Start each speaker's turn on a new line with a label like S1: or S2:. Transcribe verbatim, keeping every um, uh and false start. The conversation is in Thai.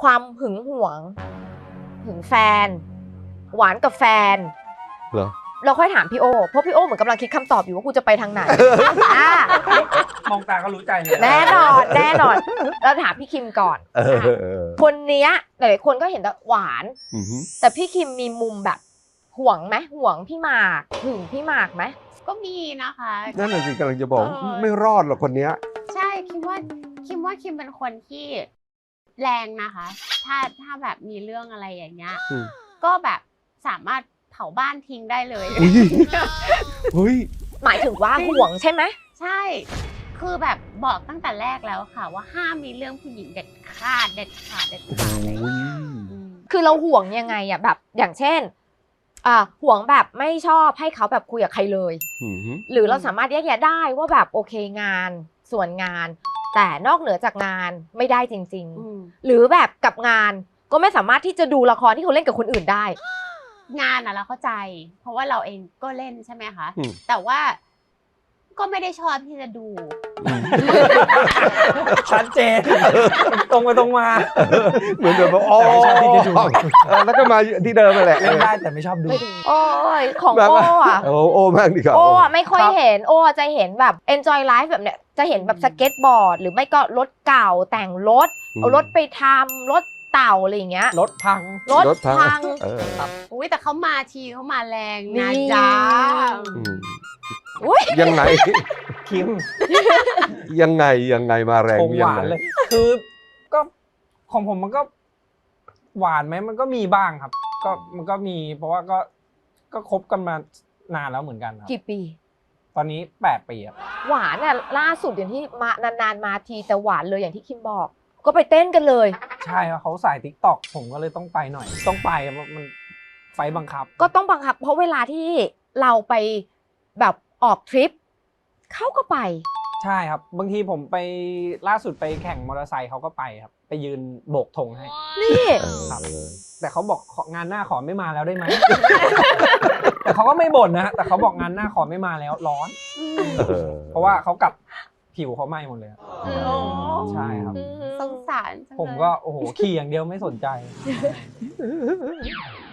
S1: ความหึงหวงหึงแฟนหวานกับแฟน
S2: เหรอ
S1: เราค่อยถามพี่โอเพราะพี่โอเหมือนกำลังคิดคำตอบอยู่ว่ากูจะไปทางไหน
S3: มองตาก็รู้ใจเลย
S1: แน่นอนแน่นอนเราถามพี่คิมก่อนคนเนี้ยหลายๆคนก็เห็นแต่หวานแต่พี่คิมมีมุมแบบห่วงไหมห่วงพี่หมากหึงพี่หมากไหม
S4: ก็มีนะคะ
S2: นั่นแหละสิกำลังจะบอกไม่รอดหรอกคนเนี้ย
S4: ใช่คิมว่าคิมว่าคิมเป็นคนที่แรงนะคะถ้าถ้าแบบมีเรื่องอะไรอย่างเงี้ยก็แบบสามารถเผาบ้านทิ้งได้เลย
S2: เฮ้ย
S1: หมายถึงว่าห่วงใช่ไหม
S4: ใช่คือแบบบอกตั้งแต่แรกแล้วค่ะว่าห้ามมีเรื่องผู้หญิงเด็ดขาดเด็ดขาดเด็ดขาดอะไร
S1: คือเราห่วงยังไงอ่ะแบบอย่างเช่นอ่าห่วงแบบไม่ชอบให้เขาแบบคุยกับใครเลยหรือเราสามารถแยกแยะได้ว่าแบบโอเคงานส่วนงานแต่นอกเหนือจากงานไม่ได้จริงๆหรือแบบกับงานก็ไม่สามารถที่จะดูละครที่เขาเล่นกับคนอื่นได้
S4: งานอะเราเข้าใจเพราะว่าเราเองก็เล่นใช่ไหมคะแต่ว่าก็ไม่ได้ชอบที่จะดู
S3: ชัดเจนตรงไปตรงมา
S2: เหมือนแบบว่าอ๋อ
S3: ชอบที่จะดู
S2: แล้วก็มาที่เดิมมาแหละ
S3: เล่นได้แต่ไม่ชอบดู
S1: โอ้ยของโอ้อะ
S2: โอ้โอ้มากดีครับ
S1: โอ้ไม่ค่อยเห็นโอ้จะเห็นแบบ enjoy life แบบเนี้ยจะเห็นแบบสเก็ตบอร์ดหรือไม่ก็รถเก่าแต่งรถเอารถไปทำรถเต่าอะไรอย่างเงี้ย
S3: รถพัง
S1: รถพัง
S4: อุ้ยแต่เขามาทีเขามาแรงนะจ๊ะ
S2: ยังไง
S3: คิม
S2: ยังไงยังไงมาแรง
S3: หวานเลยคือก็ของผมมันก็หวานไหมมันก็มีบ้างครับก็มันก็มีเพราะว่าก็ก็คบกันมานานแล้วเหมือนกันครับ
S1: กี่ปี
S3: ตอนนี้แปดปีครับ
S1: หวานเนี่ยล่าสุดอย่างที่มานานๆมาทีแต่หวานเลยอย่างที่คิมบอกก็ไปเต้นกันเลย
S3: ใช่ครับเขาใส่ติ๊กต็อกผมก็เลยต้องไปหน่อยต้องไปมันไฟบังคับ
S1: ก็ต้องบังคับเพราะเวลาที่เราไปแบบออกทริปเขาก็ไป
S3: ใช่ครับบางทีผมไปล่าสุดไปแข่งมอเตอร์ไซค์เขาก็ไปครับไปยืนโบกธงให้
S1: นี่
S3: ครับแต่เขาบอกงานหน้าขอไม่มาแล้วได้ไหม แต่เขาก็ไม่บ่นนะแต่เขาบอกงานหน้าขอไม่มาแล้วร้อนเพราะว่าเขากัดผิวเขาไหม้หมดเลยใช่ครับ
S4: สงสาร
S3: ผมก็โอ้โหขี่อย่างเดียวไม่สนใจ